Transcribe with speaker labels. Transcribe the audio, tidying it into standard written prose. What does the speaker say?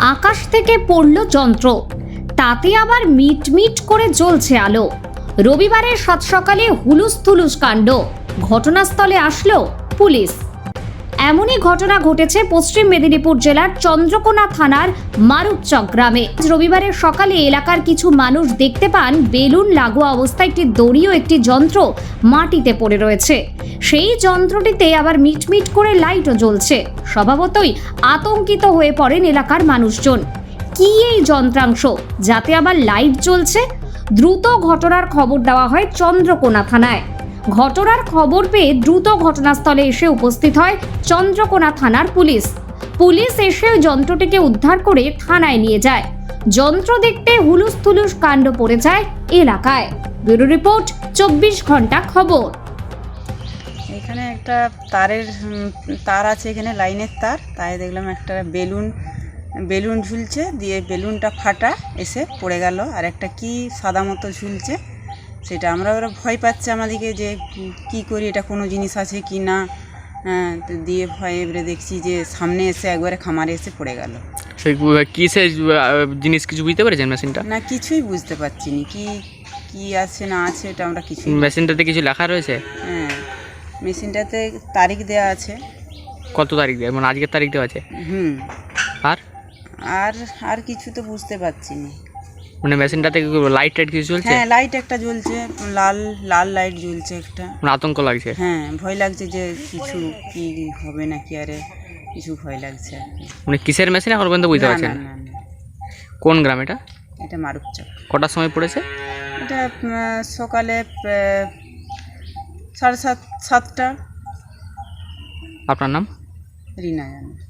Speaker 1: আকাশ থেকে পড়ল যন্ত্র, তাতে আবার মিটমিট করে জ্বলছে আলো। রবিবারের সাত সকালে হুলুস কাণ্ড, ঘটনাস্থলে আসলো পুলিশ। এমনই ঘটনা ঘটেছে পশ্চিম মেদিনীপুর জেলার চন্দ্রকোনা থানার মারুপচক গ্রামে। রবিবারের সকালে এলাকার কিছু মানুষ দেখতে পান বেলুন লাগোয়া অবস্থায় একটি দড়ি ও একটি যন্ত্র মাটিতে পড়ে রয়েছে। সেই যন্ত্রটিতে আবার মিটমিট করে লাইটও জ্বলছে। স্বভাবতই আতঙ্কিত হয়ে পড়েন এলাকার মানুষজন। কি এই যন্ত্রাংশ যাতে আবার লাইট জ্বলছে? দ্রুত ঘটনার খবর দেওয়া হয় চন্দ্রকোনা থানায়। ঘটনার খবর পেয়ে দ্রুত ঘটনাস্থলে এসে উপস্থিত হয় চন্দ্রকোনা থানার পুলিশ। পুলিশ এসে যন্ত্রটিকে উদ্ধার করে থানায় নিয়ে যায়। যন্ত্র দেখতে হুলুস কাণ্ড পড়ে যায় এলাকায়। ব্যুরো রিপোর্ট 24 ঘন্টা খবর।
Speaker 2: এখানে একটা তার আছে, এখানে লাইনের তাই দেখলাম একটা বেলুন ঝুলছে, দিয়ে বেলুনটা ফাটা এসে পড়ে গেল। আর একটা কি সাদা মতো ঝুলছে, সেটা ওরা ভয় পাচ্ছে আমাদেরকে যে কি করি, এটা কোনো জিনিস আছে কি না। তো দিয়ে ভয়ে এবারে দেখছি যে সামনে এসে একবারে খামারে এসে পড়ে গেল।
Speaker 3: সেই কিসের জিনিস কিছু বুঝতে পেরেছেন মেশিনটা?
Speaker 2: না, কিছুই বুঝতে পারছি না কি আছে না আছে, এটা আমরা কিছু।
Speaker 3: মেশিনটাতে কিছু লেখা রয়েছে?
Speaker 2: হ্যাঁ, মেশিনটাতে তারিখ দেওয়া আছে।
Speaker 3: কত তারিখ দেওয়া, মানে আজকের তারিখ দেওয়া আছে?
Speaker 2: আর কিছু তো বুঝতে পারছি না।
Speaker 3: মানে মেশিনটাতে লাইট কিছু জ্বলছে?
Speaker 2: হ্যাঁ, লাইট একটা জ্বলছে, লাল লাইট জ্বলছে একটা।
Speaker 3: মানে আতঙ্ক লাগছে?
Speaker 2: হ্যাঁ, ভয় লাগছে যে কিছু কি হবে নাকি, আরে কিছু ভয় লাগছে আর কি।
Speaker 3: মানে কিসের মেশিন এখন পর্যন্ত বুঝতে পারছেন?
Speaker 2: না।
Speaker 3: কোন গ্রাম এটা?
Speaker 2: এটা মারুপচক।
Speaker 3: কটার সময় পড়েছে
Speaker 2: এটা? সকালে 7:30।
Speaker 3: আপনার নাম?
Speaker 2: রিনা জানে।